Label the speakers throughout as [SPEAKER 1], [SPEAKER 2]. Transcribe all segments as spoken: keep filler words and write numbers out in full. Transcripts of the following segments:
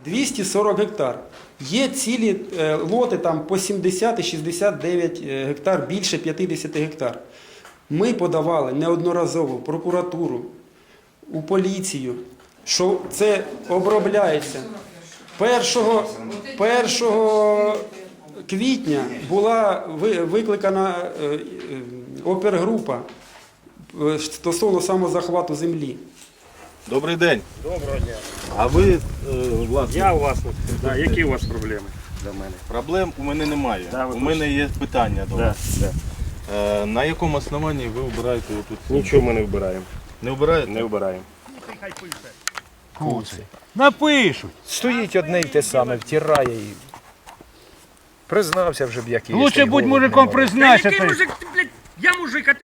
[SPEAKER 1] двісті сорок гектар. Є цілі е, лоти там по сімдесят і шістдесят дев'ять гектар, більше п'ятдесят гектар. Ми подавали неодноразово в прокуратуру, у поліцію, що це обробляється. першого квітня була викликана опергрупа стосовно самозахвату землі.
[SPEAKER 2] Добрий день.
[SPEAKER 3] Доброго дня.
[SPEAKER 2] А ви, власне,
[SPEAKER 3] Я у вас, да, які у вас проблеми до мене?
[SPEAKER 2] проблем у мене немає.
[SPEAKER 3] Да, ви
[SPEAKER 2] у мене є питання до
[SPEAKER 3] Да,
[SPEAKER 2] вас.
[SPEAKER 3] да.
[SPEAKER 2] Е, на якому основанні ви обираєте отут?
[SPEAKER 3] Нічого ми не вбираємо.
[SPEAKER 2] Не обираєте?
[SPEAKER 3] Не вбираємо.
[SPEAKER 4] Напишуть.
[SPEAKER 5] Стоїть одне й те саме, втирає і признався вже б, як і є.
[SPEAKER 4] Лучше будь мужиком признайся.
[SPEAKER 6] Який мужик, ти, блядь, я мужик, а ти...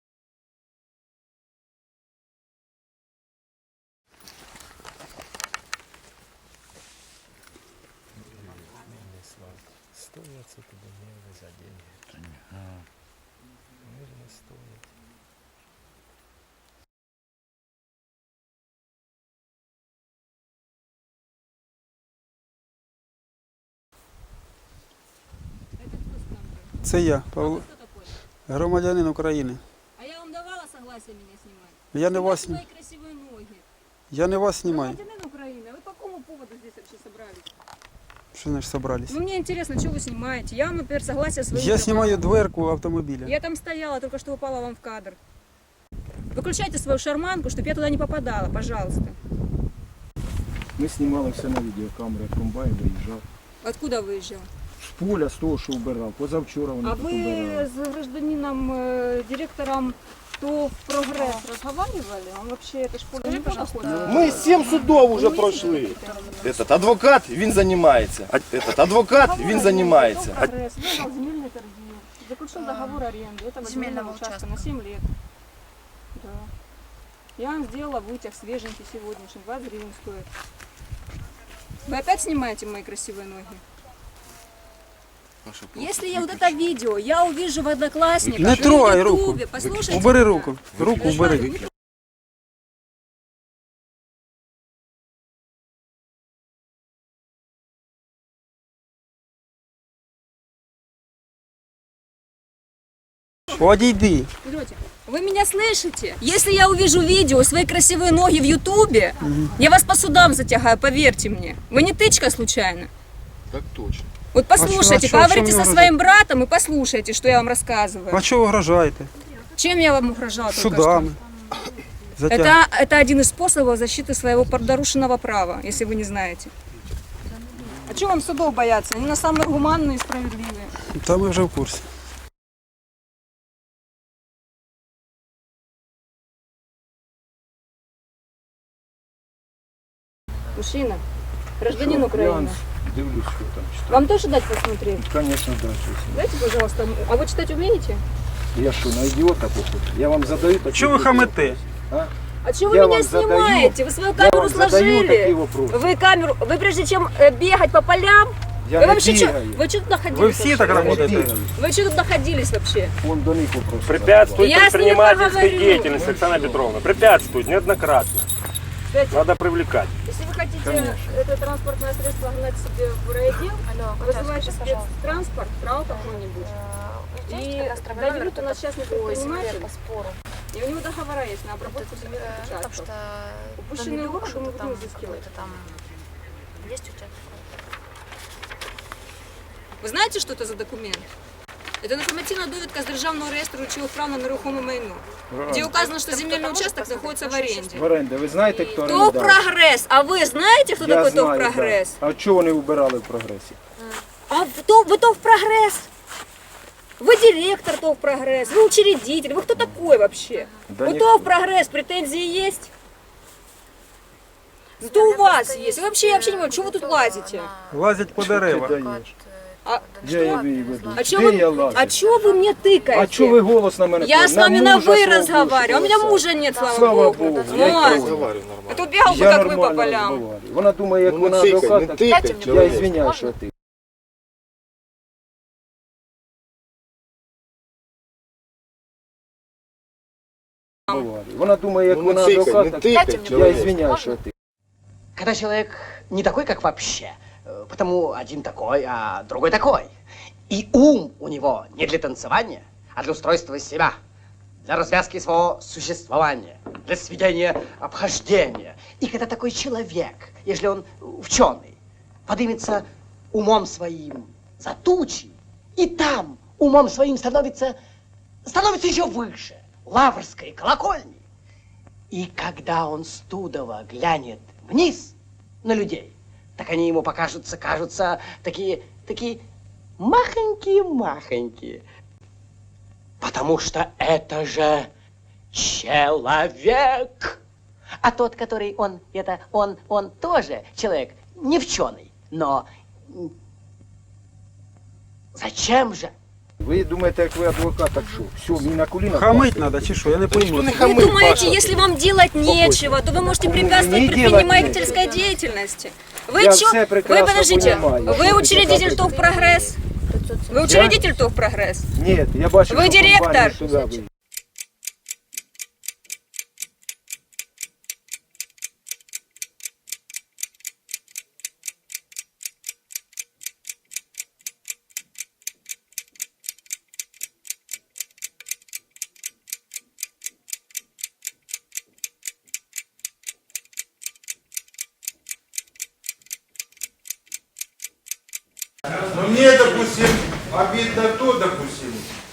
[SPEAKER 1] Це я, Павло, громадянин України.
[SPEAKER 7] А я вам давала согласие меня снимать?
[SPEAKER 1] Я не вас,
[SPEAKER 7] Свои красивые ноги.
[SPEAKER 1] я не вас знімаю.
[SPEAKER 7] Гражданин Украины, вы по какому поводу здесь вообще собрались?
[SPEAKER 1] Що значить собрались?
[SPEAKER 7] Ну мне интересно, что вы снимаете? Я вам, например, согласие своего.
[SPEAKER 1] Я знімаю дверку автомобіля.
[SPEAKER 7] Я там стояла, только что упала вам в кадр. Выключайте свою шарманку, чтобы я туда не попадала, пожалуйста.
[SPEAKER 5] Ми знімали все на відеокамеру, як комбайн виїжджав.
[SPEAKER 7] Откуда выезжал?
[SPEAKER 5] З поля, з того, що вбирав. Позавчора вони
[SPEAKER 7] А
[SPEAKER 5] тут
[SPEAKER 7] вы
[SPEAKER 5] вбирали.
[SPEAKER 7] с гражданином, э, директором ТОВ «Прогресс» разговаривали? Он вообще, это ж поле не пожалуйста.
[SPEAKER 2] Ми сім судов уже пройшли. Этот адвокат, він займається. Этот адвокат, він займається.
[SPEAKER 7] «Прогресс» выдал земельные торги, заключил договор аренды этого земельного участка на семь лет. Да. Я вам сделала вытяг свеженький сегодняшний, двадцать гривен стоит. Вы опять снимаете мои красивые ноги? Если я вот это видео, я увижу в Одноклассниках,
[SPEAKER 1] Не
[SPEAKER 7] на
[SPEAKER 1] трогай руку.
[SPEAKER 7] Ютубе, послушайте.
[SPEAKER 1] Убери руку. Руку убери. Одійди.
[SPEAKER 7] Идете. Вы меня слышите? Если я увижу видео, свои красивые ноги в Ютубе, я вас по судам затягаю, поверьте мне. Вы не тычка случайно?
[SPEAKER 2] Так точно.
[SPEAKER 7] Вот послушайте,
[SPEAKER 1] а чё- а чё
[SPEAKER 7] поговорите
[SPEAKER 1] мне
[SPEAKER 7] со
[SPEAKER 1] угрожать?
[SPEAKER 7] своим братом и послушайте, что я вам рассказываю.
[SPEAKER 1] А чого угрожаєте?
[SPEAKER 7] Чем я вам угрожала только
[SPEAKER 1] Судами.
[SPEAKER 7] что?
[SPEAKER 1] Затяг...
[SPEAKER 7] Это, это один из способов защиты своего нарушенного права, если вы не знаете. А чего вам судов бояться? Они на самые гуманные и справедливые.
[SPEAKER 1] Та ми вже в курсі.
[SPEAKER 7] Мужчина, гражданин Украины.
[SPEAKER 5] Дивлюсь, що там читаю.
[SPEAKER 7] Вам тоже дать посмотреть?
[SPEAKER 5] Звісно, да, щось.
[SPEAKER 7] Дайте, пожалуйста. А вы читать умеете?
[SPEAKER 5] Я що, на ідіота похожу? Я вам задаю такі
[SPEAKER 1] Чого ви
[SPEAKER 5] вопроси.
[SPEAKER 1] хамите?
[SPEAKER 5] А?
[SPEAKER 7] А чего вы
[SPEAKER 5] Я
[SPEAKER 7] меня
[SPEAKER 5] вам задаю-
[SPEAKER 7] снимаете? Вы свою
[SPEAKER 5] Я
[SPEAKER 7] камеру
[SPEAKER 5] вам задаю такі
[SPEAKER 7] сложили.
[SPEAKER 5] вопроси.
[SPEAKER 7] Вы камеру, вы прежде чем э, бегать по полям,
[SPEAKER 5] Я
[SPEAKER 7] вы
[SPEAKER 5] не
[SPEAKER 7] вообще что,
[SPEAKER 5] бігаю.
[SPEAKER 7] вы что тут находились?
[SPEAKER 1] Ви всі так
[SPEAKER 7] вообще?
[SPEAKER 5] Я не
[SPEAKER 1] працюєте?
[SPEAKER 5] бігаю.
[SPEAKER 7] Вы что тут находились вообще?
[SPEAKER 5] Вон до них вопроси.
[SPEAKER 3] Препятствует
[SPEAKER 7] Я с ним
[SPEAKER 3] предпринимательской
[SPEAKER 7] поговорю.
[SPEAKER 3] деятельности, Оксана Петровна. Препятствует неоднократно.
[SPEAKER 7] Кстати,
[SPEAKER 3] Надо привлекать.
[SPEAKER 7] если вы хотите это транспортное средство гнать себе в райотдел, вызывайте спецтранспорт, трал какой-нибудь. И доверют у нас частный предприниматель, и у него договора есть на обработку земельных участков. Упущенные выходы мы будем изыскивать. Вы знаете, что это за документ? Это информативная довідка з Державного реєстру речових прав на нерухоме майно, где указано, что земельный участок находится в аренде.
[SPEAKER 5] В оренді. Ви знаєте, хто
[SPEAKER 7] ТОВ
[SPEAKER 5] орендар?
[SPEAKER 7] «Прогресс». А вы знаете, кто
[SPEAKER 5] Я
[SPEAKER 7] такой ТОВ
[SPEAKER 5] знаю,
[SPEAKER 7] «Прогресс»?
[SPEAKER 5] да. А чого вони вбирали в прогресі?
[SPEAKER 7] А кто, вы ТОВ «Прогресс»? Вы директор ТОВ «Прогресс», вы учредитель, вы кто такой вообще?
[SPEAKER 5] Да
[SPEAKER 7] у
[SPEAKER 5] не-
[SPEAKER 7] ТОВ «Прогресс» претензии есть? Зато у вас есть. Вы вообще, я вообще не понимаю, что вы тут лазите?
[SPEAKER 1] Лазять по
[SPEAKER 5] Ти
[SPEAKER 1] деревах.
[SPEAKER 5] даєш.
[SPEAKER 7] А,
[SPEAKER 5] Я її веду.
[SPEAKER 7] а
[SPEAKER 5] Де
[SPEAKER 7] чего
[SPEAKER 5] я
[SPEAKER 7] вы,
[SPEAKER 5] лазю?
[SPEAKER 7] а чего вы мне тыкаете?
[SPEAKER 5] А чого ви голос на мене?
[SPEAKER 7] Я
[SPEAKER 5] підняли?
[SPEAKER 7] с вами на
[SPEAKER 5] мужа
[SPEAKER 7] «вы»
[SPEAKER 5] свого
[SPEAKER 7] разговариваю, а у меня
[SPEAKER 5] бывшего
[SPEAKER 7] мужа нет, слава,
[SPEAKER 5] Слава
[SPEAKER 7] Богу.
[SPEAKER 5] Богу.
[SPEAKER 7] Ну,
[SPEAKER 5] Я
[SPEAKER 7] а
[SPEAKER 2] Розговариваю
[SPEAKER 7] а
[SPEAKER 2] нормально.
[SPEAKER 7] то бегал бы,
[SPEAKER 5] Я
[SPEAKER 7] как вы по
[SPEAKER 5] нормально
[SPEAKER 7] полям.
[SPEAKER 5] розмовляю. Вона думає, як
[SPEAKER 2] Ну,
[SPEAKER 5] вона
[SPEAKER 2] не тикай,
[SPEAKER 5] адвокат.
[SPEAKER 2] не
[SPEAKER 5] так-
[SPEAKER 2] тикай,
[SPEAKER 5] Я
[SPEAKER 2] чоловік.
[SPEAKER 5] извиняюсь, що ти. Вона думає, як
[SPEAKER 2] Ну,
[SPEAKER 5] вона
[SPEAKER 2] не тикай,
[SPEAKER 5] адвокат.
[SPEAKER 2] не
[SPEAKER 5] так-
[SPEAKER 2] тикай,
[SPEAKER 5] Я
[SPEAKER 2] чоловік.
[SPEAKER 5] извиняюсь, що ти.
[SPEAKER 8] Когда человек не такой, как вообще. Э, Потому один такой, а другой такой. И ум у него не для танцевания, а для устройства себя, для развязки своего существования, для сведения обхождения. И когда такой человек, если он ученый, поднимется умом своим за тучи, и там умом своим становится, становится еще выше Лаврской колокольни. И когда он студово глянет вниз на людей, так они ему покажутся, кажутся такие, такие махонькие-махонькие. Потому что это же человек. А тот, который он, это он, он тоже человек, не вченый, но зачем же?
[SPEAKER 5] Ви думаєте, як ви адвокат, так що? Все, мені на колінах.
[SPEAKER 1] Хамить треба чи що? Я не пойму.
[SPEAKER 7] Вы думаете, если вам делать нечего, то вы можете препятствовать
[SPEAKER 5] Не делать
[SPEAKER 7] предпринимательской деятельности? Вы
[SPEAKER 5] Я
[SPEAKER 7] чё?
[SPEAKER 5] все
[SPEAKER 7] Вы
[SPEAKER 5] прекрасно
[SPEAKER 7] подождите,
[SPEAKER 5] понимаю,
[SPEAKER 7] вы
[SPEAKER 5] что
[SPEAKER 7] учредитель
[SPEAKER 5] ты
[SPEAKER 7] ТОВ «Прогресс»? Вы учредитель ТОВ «Прогресс»?
[SPEAKER 5] Ні, я бачу,
[SPEAKER 7] Ви
[SPEAKER 5] що
[SPEAKER 7] директор?
[SPEAKER 5] компанія сюди вийде.
[SPEAKER 9] Но мне, допустим, обидно то, допустим,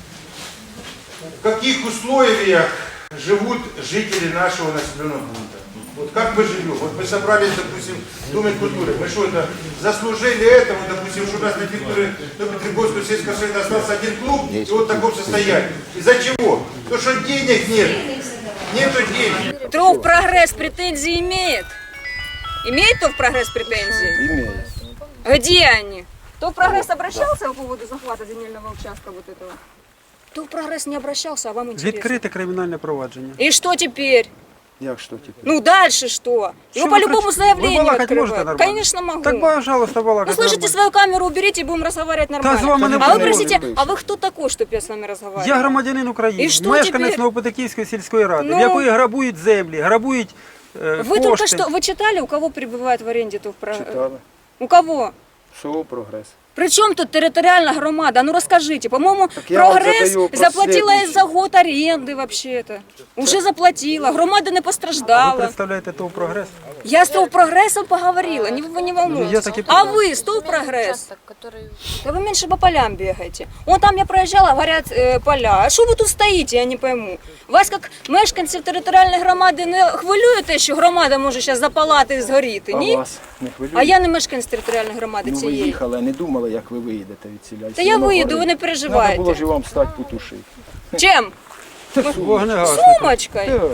[SPEAKER 9] в каких условиях живут жители нашего населенного пункта. Вот как мы живем? Вот мы собрались, допустим, в Доме культуры. Мы что это, заслужили этого, допустим, что у нас на территории Петрогорского сельского совета остался один клуб, и вот в таком состоянии. Из-за чего? Потому что денег нет. Нету денег.
[SPEAKER 7] ТОВ «Прогресс» претензии имеет? Имеет ТОВ «Прогресс» претензии?
[SPEAKER 5] Імеє.
[SPEAKER 7] Где они? ТОВ «Прогресс» обращался по поводу захвата земельного участка вот этого? ТОВ «Прогресс» не обращался, а вам интересно?
[SPEAKER 1] Відкрите кримінальне провадження.
[SPEAKER 7] И что теперь?
[SPEAKER 5] Як що тепер?
[SPEAKER 7] Ну дальше что? Его
[SPEAKER 1] Что вы
[SPEAKER 7] по-любому
[SPEAKER 1] кричите?
[SPEAKER 7] заявление
[SPEAKER 1] Вы балакать можете
[SPEAKER 7] открывают.
[SPEAKER 1] нормально?
[SPEAKER 7] Конечно могу.
[SPEAKER 1] Так, пожалуйста,
[SPEAKER 7] Ну
[SPEAKER 1] балакать
[SPEAKER 7] слышите,
[SPEAKER 1] нормально.
[SPEAKER 7] свою камеру уберите и будем разговаривать нормально.
[SPEAKER 1] с вами не
[SPEAKER 7] а вы
[SPEAKER 1] будем.
[SPEAKER 7] простите,
[SPEAKER 5] Не
[SPEAKER 7] а вы кто такой, чтобы я с вами разговаривала?
[SPEAKER 1] Я громадянин України,
[SPEAKER 7] І що
[SPEAKER 1] мешканець
[SPEAKER 7] тепер?
[SPEAKER 1] Новопетиківської сільської ради,
[SPEAKER 7] Ну.
[SPEAKER 1] в якої грабують землі, грабують е,
[SPEAKER 7] Вы только
[SPEAKER 1] кошти.
[SPEAKER 7] что, вы читали, у кого прибывает в аренде ТОВ «Прогресс»?
[SPEAKER 5] Читали.
[SPEAKER 7] У кого?
[SPEAKER 5] Що прогрес?
[SPEAKER 7] Причем тут территориальная громада? Ну расскажите, по-моему,
[SPEAKER 5] Так я вам
[SPEAKER 7] «Прогресс»
[SPEAKER 5] задаю вопрос
[SPEAKER 7] заплатила
[SPEAKER 5] следующий.
[SPEAKER 7] за год аренды вообще-то. Уже заплатила, громада не
[SPEAKER 1] Ви
[SPEAKER 7] постраждала.
[SPEAKER 1] представляєте ТОВ «Прогрес»?
[SPEAKER 7] Я с ТОВ «Прогрессом» поговорила, не, вы не
[SPEAKER 1] Ну, я
[SPEAKER 7] волнуйтесь.
[SPEAKER 1] так и
[SPEAKER 7] А вы с ТОВ «Прогресс»? Да вы меньше по полям бегаете. Вон там я проезжала, горят э, поля. А что вы тут стоите, я не пойму. Вас, як мешканців територіальної громади, не хвилює те, що громада може зараз запалати і згоріти,
[SPEAKER 5] А
[SPEAKER 7] ні?
[SPEAKER 5] вас не хвилює?
[SPEAKER 7] А я не мешканець територіальної громади
[SPEAKER 5] Ну ви
[SPEAKER 7] цієї.
[SPEAKER 5] їхали, а не думали, як ви виїдете від ціля.
[SPEAKER 7] Та я виїду, ви не переживайте.
[SPEAKER 5] Треба було ж і вам стати потушити.
[SPEAKER 7] Чем?
[SPEAKER 1] Вогнегасник.
[SPEAKER 7] Сумочкой?
[SPEAKER 5] Так.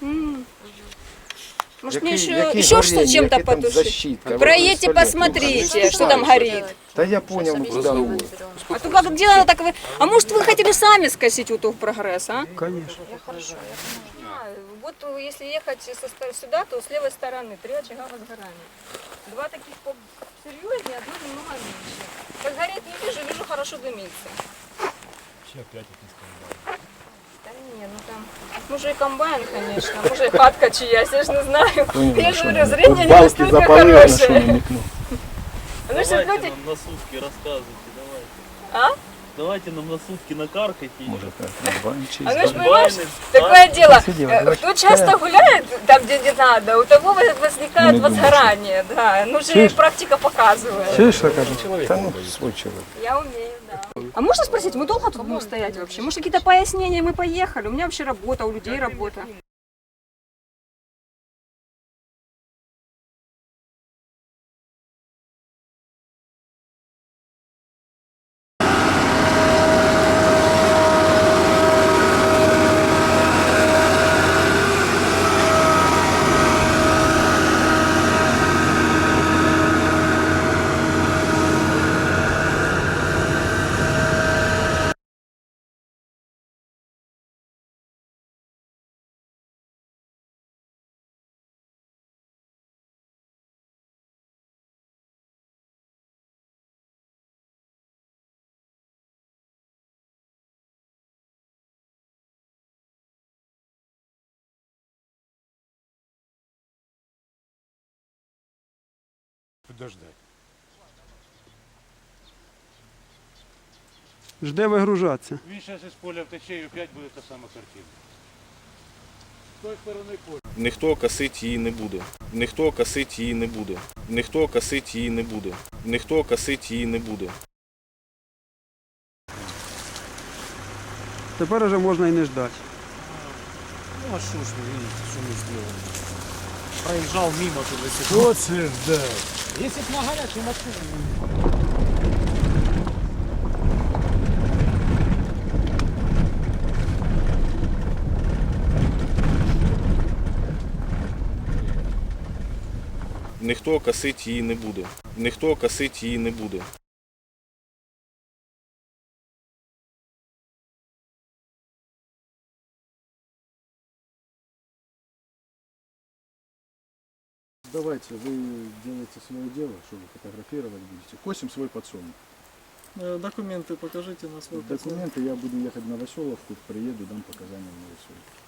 [SPEAKER 7] Может,
[SPEAKER 5] Який-
[SPEAKER 7] мне еще,
[SPEAKER 5] який
[SPEAKER 7] еще
[SPEAKER 5] горіння,
[SPEAKER 7] что чем-то
[SPEAKER 5] яке там
[SPEAKER 7] потушить?
[SPEAKER 5] защитка? Ви
[SPEAKER 7] Проедьте,
[SPEAKER 5] представляєте?
[SPEAKER 7] посмотрите, что там горит.
[SPEAKER 5] Та я понял, ну куди ви.
[SPEAKER 7] А то как дело так вы... А может, вы хотели сами скосить у ТОВ «Прогресс», а?
[SPEAKER 1] Конечно.
[SPEAKER 7] Вот если ехать со ст- сюда, то с левой стороны три очага возгорания. Два таких серьезнее, одно немного меньше. Как горит не вижу, вижу хорошо дымится. Да не, ну там, может и комбайн, конечно, может и хатка чья, я ж не знаю. Я же говорю, зрение не настолько
[SPEAKER 5] запалили, що
[SPEAKER 7] хорошее.
[SPEAKER 5] намікнув.
[SPEAKER 7] Ну что, люди...
[SPEAKER 10] на сутки рассказывайте, давайте.
[SPEAKER 7] А?
[SPEAKER 10] Давайте нам на сутки накаркайте.
[SPEAKER 5] Може так, комбайн чи
[SPEAKER 7] А ну ж
[SPEAKER 10] Комбайны,
[SPEAKER 7] понимаешь,
[SPEAKER 10] а?
[SPEAKER 7] такое дело,
[SPEAKER 1] Сиди,
[SPEAKER 7] э,
[SPEAKER 1] давай.
[SPEAKER 7] кто часто гуляет там, где не надо, у того возникает
[SPEAKER 5] Не думаю,
[SPEAKER 7] возгорание, да, ну же
[SPEAKER 1] Чуешь?
[SPEAKER 7] практика показывает.
[SPEAKER 1] Чуєш, що кажуть?
[SPEAKER 5] Та ну, свой чоловік.
[SPEAKER 7] Я умею, да. А можно спросить, мы долго тут будем стоять вообще? Может, какие-то пояснения, мы поехали? У меня вообще работа, у людей работа.
[SPEAKER 4] Подождать.
[SPEAKER 1] Жде вигружатися.
[SPEAKER 4] Він зараз із поля втече і опять буде та сама картина. З тої сторони поля.
[SPEAKER 2] Ніхто косить її не буде. Ніхто косить її не буде. Ніхто косить її не буде. Ніхто косить її не буде.
[SPEAKER 1] Тепер уже можна і не ждати.
[SPEAKER 10] Ну а что ж вы видите, что мы сделали? Проезжал мимо туда сюда.
[SPEAKER 4] Що це ждать?
[SPEAKER 10] Если б на горячую машину.
[SPEAKER 2] Ніхто косить її не буде. Ніхто косить її не буде.
[SPEAKER 5] Давайте, вы делаете свое дело, что вы фотографировать будете. Косим свой подсолнух.
[SPEAKER 10] Документы покажите на свой
[SPEAKER 5] Документы, я буду ехать на Новоселовку, приеду, дам показания в Новоселовку.